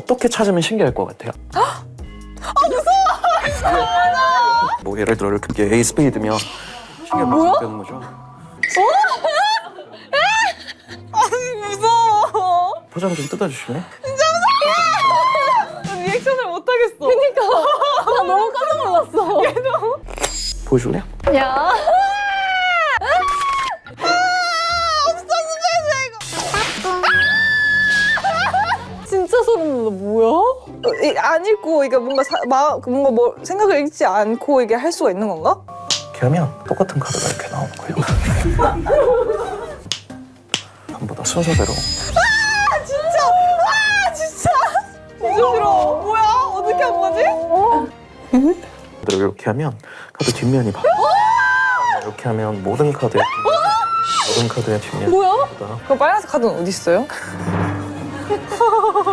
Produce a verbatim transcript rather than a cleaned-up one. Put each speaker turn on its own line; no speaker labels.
어떻게 찾으면 신기할 것 같아요?
아 무서워!
뭐 예를 들어 이렇게 A 스페이드면 신기할
뭐야?
것 되는 거죠.
아니 무서워.
포장 좀 뜯어주실래?
리액션을 못 하겠어. 그니까 나 너무 깜짝 놀랐어. 얘도.
보여줄래요?
야. 없어 스페이스 이거. 진짜 소름 돋아. 뭐야?
이, 안 읽고 이게 뭔가 사, 마, 뭔가 뭐 생각을 읽지 않고 이게 할 수가 있는 건가?
이렇게 하면 똑같은 카드가 이렇게 나오는 거예요. 전부 다 순서대로.
아 진짜! 아 진짜! 진짜 싫어. 뭐야? 어떻게 한 거지?
이렇게 하면 카드 뒷면이 봐. 이렇게 하면 모든 카드의 모든 카드의 뒷면.
뭐야?
그럼 빨간색 카드는 어디 있어요?